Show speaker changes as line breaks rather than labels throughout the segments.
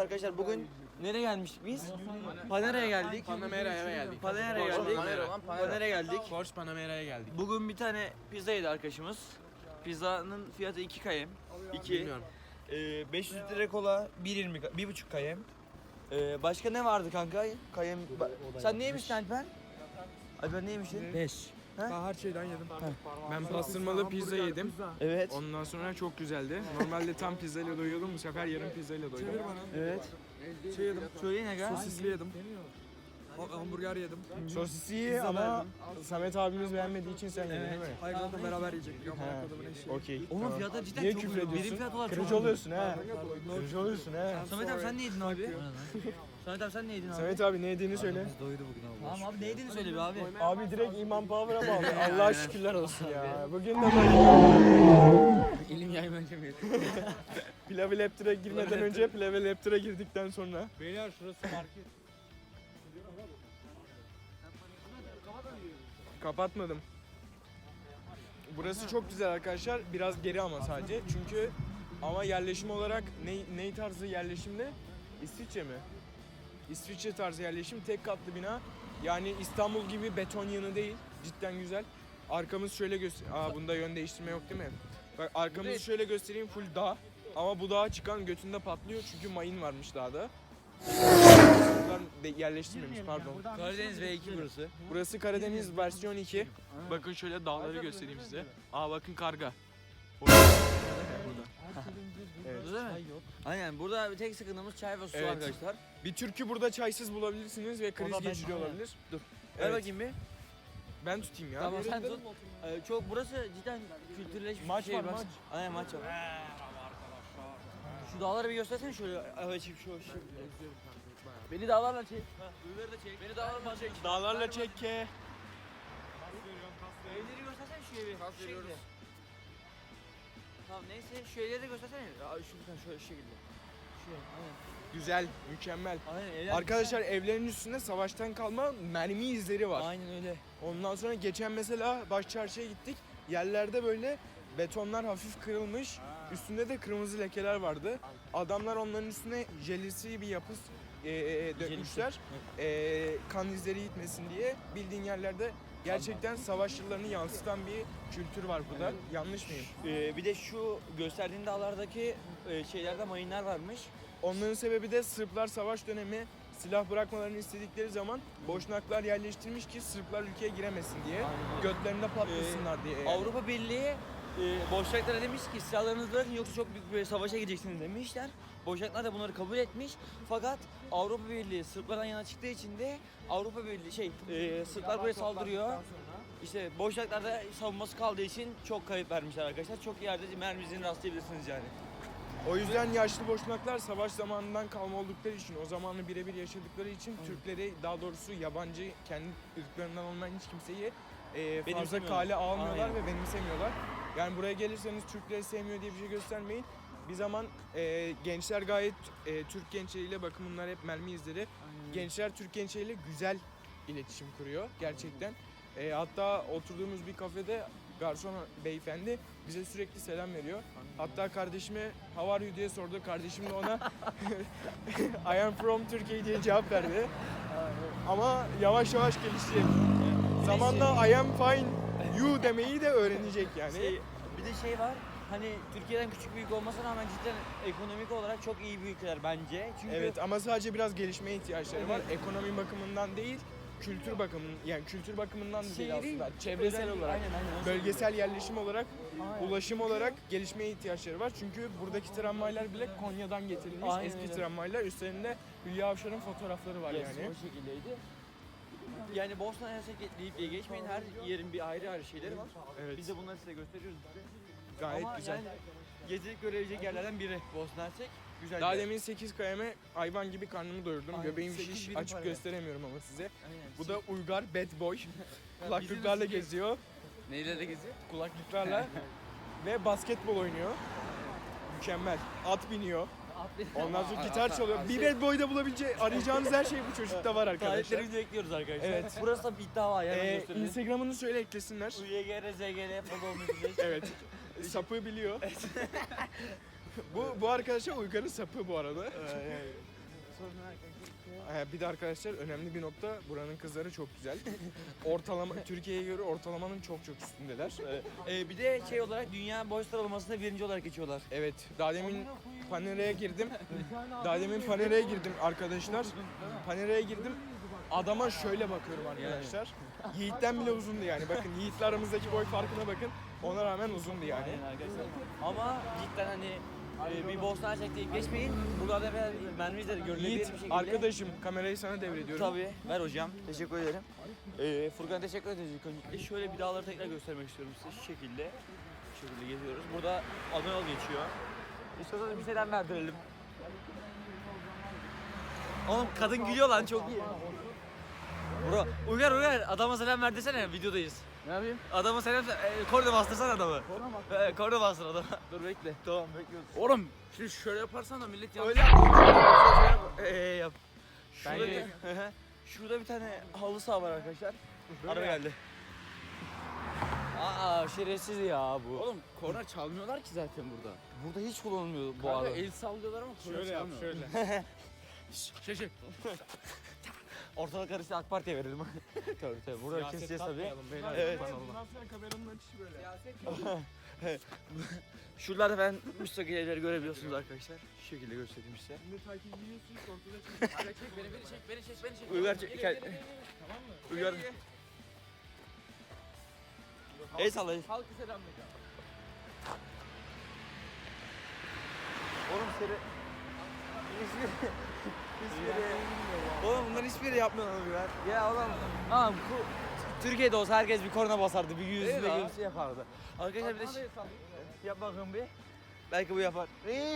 arkadaşlar bugün nereye gelmiştik biz? Panera'ya geldik.
Panamera'ya geldik.
Panera'ya geldik. Panera'ya geldik.
Porsche Panamera'ya geldik.
Bugün bir tane pizza yedi arkadaşımız. Pizzanın fiyatı 2 kayem. 2.
Bilmiyorum.
500 litre kola 1.20 1.5 kayem. Başka ne vardı kanka? Kayem. Sen neymişsin Alper? Alper neymişsin?
5.
Her şeyden yedim. Ben pastırmalı pizza yedim.
Evet.
Ondan sonra çok güzeldi. Normalde tam pizzayla doyuyordum. Bu sefer yarım pizzayla doydum.
Evet.
Şey yedim.
Söyleyin aga.
Sosisli yedim. Hamburger yedim.
Sosisi iyi ama Samet abimiz beğenmediği için sen yedin değil mi?
Hayır zaten beraber yiyecektik. Ama kodumun eşi.
Okey.
Onun fiyatları cidden
Niye
çok
küfür
uygun. Birim
ediyorsun?
fiyat olarak çok
Kırıcı
uygun.
oluyorsun ha. Kırıcı oluyorsun ha.
Samet abi sen ne yedin abi? Samet abi sen ne yedin abi?
Samet abi ne yediğini söyle.
Tamam abi ne yediğini söyle be abi.
Abi direkt İman Power'a bağlı. Allah'a şükürler olsun ya. Bugün de böyle.
İlim yaymayı yedim.
Pilavı Laptır'a girmeden önce Pilavı Laptır'a girdikten sonra.
Beyler şurası market.
Kapatmadım. Burası çok güzel arkadaşlar. Biraz geri ama sadece. Çünkü ama yerleşim olarak ne tarzı yerleşimde? İsviçre mi? İsviçre tarzı yerleşim. Tek katlı bina. Yani İstanbul gibi beton yığını değil. Cidden güzel. Arkamız şöyle göster. Bunda yön değiştirme yok değil mi? Bak arkamızı şöyle göstereyim, full dağ. Ama bu dağa çıkan götünde patlıyor çünkü mayın varmış dağda. Buradan yerleştirmemiş, pardon.
Karadeniz V2 burası.
Burası Karadeniz versiyon 2. Bakın şöyle dağları göstereyim size. Bakın karga. Evet.
Burada değil mi? Aynen burada bir tek sıkıntımız çay ve su
Evet.
arkadaşlar.
Bir türkü burada çaysız bulabilirsiniz ve kriz geçiriyor olabilir.
Dur. Ver
Evet.
bakayım bir.
Ben tutayım ya.
Tamam sen tut. Çok burası cidden kültürleşmiş
Maç
bir şey.
var, maç.
Aynen maç var. Şu dağları bir göstersene şöyle. Evet şu. Beni dağlarla çek. Uyuları da çek. Beni dağlarla çek.
Dağlarla çek ke.
Evleri göstersene şu evi. Şu şekilde. Tamam neyse şu evleri de göstersene. Şuradan şöyle şu şekilde. Şuraya aynen.
Güzel, mükemmel.
Aynen evler.
Arkadaşlar evlerin üstünde savaştan kalma mermi izleri var.
Aynen öyle.
Ondan sonra geçen mesela Başçarşı'ya gittik. Yerlerde böyle betonlar hafif kırılmış. Üstünde de kırmızı lekeler vardı. Adamlar onların üstüne jelisi bir yapı dökmüşler. Kan izleri gitmesin diye. Bildiğin yerlerde gerçekten savaş yıllarını yansıtan bir kültür var burada. Yanlış mıyım?
Bir de şu gösterdiğin dağlardaki şeylerde mayınlar varmış.
Onların sebebi de Sırplar savaş dönemi silah bırakmalarını istedikleri zaman Boşnaklar yerleştirmiş ki Sırplar ülkeye giremesin diye. Götlerinde patlasınlar diye. Yani.
Avrupa Birliği Boşnaklara demiş ki silahlarınızı bırakın yoksa çok büyük bir savaşa gideceksiniz demişler. Boşnaklar da bunları kabul etmiş. Fakat Avrupa Birliği Sırplardan yana çıktığı için de Avrupa Birliği Sırplar buraya saldırıyor. İşte Boşnaklar da savunması kaldığı için çok kayıp vermişler arkadaşlar. Çok yerde mermisini rastlayabilirsiniz yani.
O yüzden yaşlı Boşnaklar savaş zamanından kalma oldukları için, o zamanı birebir yaşadıkları için Türkleri, daha doğrusu yabancı, kendi ırklarından olmayan hiç kimseyi fazla kale almıyorlar ve benimsemiyorlar. Yani buraya gelirseniz Türkleri sevmiyor diye bir şey göstermeyin. Bir zaman gençler gayet Türk gençleriyle, bakın bunlar hep mermi izleri. Gençler Türk gençleriyle güzel iletişim kuruyor gerçekten. Hatta oturduğumuz bir kafede garson beyefendi bize sürekli selam veriyor. Hatta kardeşime "How are you?" diye sordu. Kardeşim de ona "I am from Turkey" diye cevap verdi. Ama yavaş yavaş gelişecek. Zamanla "I am fine you" demeyi de öğrenecek yani.
Bir de şey var. Hani Türkiye'den küçük büyük olmasına rağmen cidden ekonomik olarak çok iyi bir ülkeler bence. Çünkü
Evet ama sadece biraz gelişmeye ihtiyaçları var.
Evet.
Ekonomi bakımından değil, kültür bakımından da değil
Şehri
aslında. Çevresel
özelliği-
olarak,
aynen,
bölgesel yerleşim olarak,
Aynen.
ulaşım olarak gelişmeye ihtiyaçları var. Çünkü buradaki tramvaylar bile Konya'dan getirilmiş
Aynen
eski
öyle.
tramvaylar. Üstlerinde Hülya Avşar'ın fotoğrafları var
Yes,
yani.
o şekildeydi. Yani Bosna Hersek deyip geçmeyin, her yerin bir ayrı şeyleri var.
Evet.
Biz de bunları size gösteriyoruz.
Gayet
Ama
güzel.
yani gezilip görebilecek yerlerden biri Bosna Hersek. Güzel
Daha
bir yer.
demin 8 kayeme hayvan gibi karnımı doyurdum.
Aynen,
Göbeğim
8
şiş,
birim
açıp
para.
gösteremiyorum ama size.
Aynen.
Bu da Uygar bad boy. Kulaklıklarla geziyor.
Neyle de geziyor?
Kulaklıklarla ve basketbol oynuyor. Mükemmel. At biniyor. Ondan sonra gitar çalıyor. Bir bad boy'da arayacağınız her şey bu çocukta var arkadaşlar.
Tarihlerimizi bekliyoruz arkadaşlar.
Evet.
Burası da bir iddia var. Hemen gösterelim.
Instagram'ını söyle eklesinler.
UYGR, ZGR, Fadol Müzik.
Evet. Sapı biliyor. bu arkadaşa Uygar'ın sapı bu arada. bir de arkadaşlar önemli bir nokta, buranın kızları çok güzel. Ortalama Türkiye'ye göre ortalamanın çok üstündeler.
Bir de şey olarak dünya boy sıralamasında birinci olarak geçiyorlar.
Evet, daha demin Panera'ya girdim. Arkadaşlar. Panera'ya girdim. Adama şöyle bakıyorum arkadaşlar. Yiğit'ten bile uzundu yani. Bakın Yiğit'le aramızdaki boy farkına bakın. Ona rağmen uzundu yani.
Aynen arkadaşlar. Ama cidden hani bir Bosna Hersek deyip geçmeyin. Buralarda ben mermizleri görülebilir
Yiğit
bir şekilde.
arkadaşım, kamerayı sana devrediyorum.
Tabii. Ver hocam. Teşekkür ederim. Furkan teşekkür ederiz ilk öncelikle. Şöyle bir dağları tekrar göstermek istiyorum size. Şu şekilde. Şu şekilde geziyoruz. Burada ana yol geçiyor. İstiyorsanız bir selam verdirelim. Oğlum kadın gülüyor lan, çok iyi. Bro, Uygar adama selam ver desene, videodayız.
Ne yapayım?
Adama selam korna bastırsana adamı. Korna bastır adama.
Dur bekle.
Tamam bekliyoruz.
Oğlum şimdi şöyle yaparsan da millet yanlış.
Öyle yap. Şurada
Bence-
bir, şurada bir tane halı saha var arkadaşlar. Araba geldi. Şerefsiz ya bu.
Oğlum korna çalmıyorlar ki zaten burada.
Burada hiç kullanılmıyor bu
Kanka
arada.
el sallıyorlar ama korna
Şöyle yap,
çalmıyor.
şöyle.
Şey.
Ortalık karıştı, AK Parti'ye verelim. tabii. Burada keseceğiz tabii.
Evet.
Evet.
Bundan sonra kameranın açışı böyle.
Şuralarda ben müstakil evleri görebiliyorsunuz arkadaşlar. Şu şekilde göstereyim size.
Şimdi takip ediyorsun, ortada çıkıyor.
Çek beni çek.
Uygar çek.
Tamam mı?
Uygar. El salla.
Halkı selamlayacağım.
Oğlum seni... Oğlum bunların hiçbiri yapmıyorlar Uygar. Ya oğlum. Tamam Türkiye'de olsa herkes bir korna basardı. Bir yüzde
ya.
bir şey yapardı. Arkadaşlar bir de yap bakın bir. Belki bu yapar.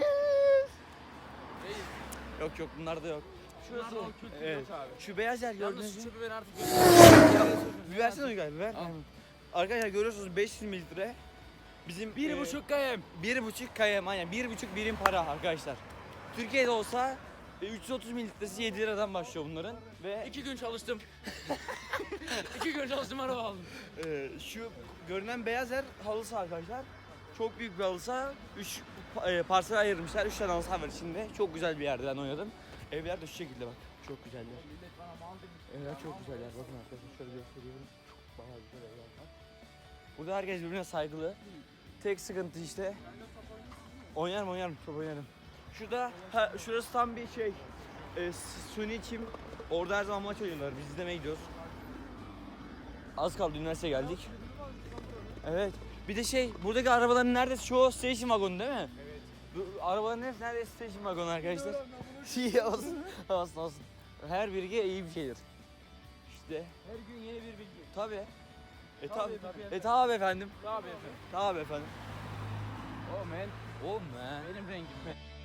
Yok bunlarda yok. Şurası. Evet. Şu beyaz yer gördünüz
Yalnız
mü?
şu çöpü ben artık
Bir versene Uygar, bir ver.
Al.
Arkadaşlar görüyorsunuz 500 mililitre. Bizim
1,5 km.
1,5 km, aynen 1,5 birim para arkadaşlar. Türkiye'de olsa 330 mililitresi 7 liradan başlıyor bunların ve
2 gün çalıştım. 2 gün çalıştım araba aldım.
şu görünen beyaz yer halı saha arkadaşlar. Çok büyük bir halı saha. 3 parsel ayırmışlar. 3 tane halı saha var içinde. Çok güzel bir yerde ben oynadım. Evler de şu şekilde bak. Çok güzeller. Evler çok güzeller. Bakın arkadaşlar şöyle gösteriyorum. Çok bayağı güzel evler var. Burada herkes birbirine saygılı. Tek sıkıntı işte. Oynarım, çok oynarım. Şurası tam bir şey. Suni çim. Orada her zaman maç oynuyorlar. Biz izlemeye gidiyoruz. Az kaldı, üniversiteye geldik. Evet. Bir de buradaki arabaların neredeyse çoğu station wagon değil mi? Evet. Bu arabaların hepsi neredeyse station wagon arkadaşlar. olsun. Her bilgi iyi bir şeydir. İşte.
Her gün yeni bir bilgi.
Tabii.
Tabii.
Tabii efendim.
Tabii efendim.
Tabii efendim.
Oh man.
Oh man.
Benim rengim.